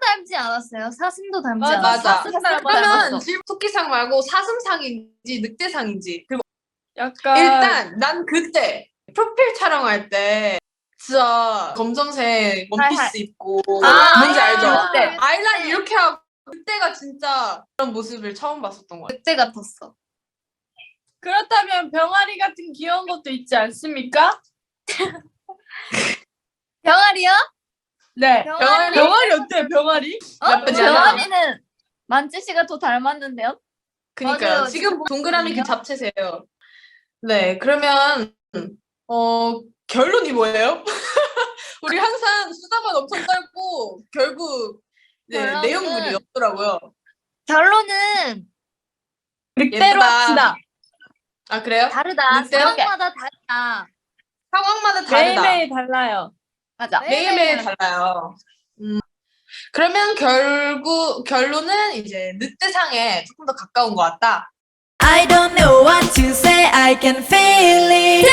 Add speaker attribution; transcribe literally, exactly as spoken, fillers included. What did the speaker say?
Speaker 1: 닮지 않았어요? 사슴도 닮지
Speaker 2: 맞아,
Speaker 1: 않았어요?
Speaker 3: 맞아.
Speaker 2: 사슴 닮았어.
Speaker 3: 그러면 질 토끼상 말고 사슴상인지 늑대상인지. 그리고
Speaker 2: 약간
Speaker 3: 일단 난 그때 프로필 촬영할 때 진짜 검정색 원피스
Speaker 1: 하이하이.
Speaker 3: 입고
Speaker 1: 아,
Speaker 3: 뭔지 알죠?
Speaker 1: 늑대.
Speaker 3: 아이라인 이렇게 하고 그때가 진짜 그런 모습을 처음 봤었던 것 같아요.
Speaker 1: 늑대 같았어.
Speaker 2: 그렇다면 병아리 같은 귀여운 것도 있지 않습니까?
Speaker 1: 병아리요?
Speaker 2: 네.
Speaker 1: 병아리?
Speaker 2: 병아리 어때? 병아리?
Speaker 1: 어?
Speaker 3: 나쁘지 않아.
Speaker 1: 병아리는 만지 씨가 더 닮았는데요?
Speaker 3: 그니까요.
Speaker 1: 맞아요.
Speaker 3: 지금 동그라미 그
Speaker 1: 아니요?
Speaker 3: 잡채세요. 네, 그러면 어 결론이 뭐예요? 우리 항상 수다만 엄청 짧고 결국 네,
Speaker 1: 결론은-
Speaker 3: 내용물이 없더라고요.
Speaker 1: 결론은
Speaker 2: 늑대로
Speaker 3: 예쁘다.
Speaker 2: 합시다.
Speaker 3: 아 그래요?
Speaker 1: 다르다.
Speaker 3: 늑대?
Speaker 1: 상황마다 다르다.
Speaker 3: 상황마다 다르다.
Speaker 2: 매일매일 달라요.
Speaker 1: 맞아.
Speaker 3: 매일매일 달라요. 음. 그러면 결국 결론은 이제 늑대상에 조금 더 가까운 것 같다.
Speaker 4: I don't know what to say, I can feel it.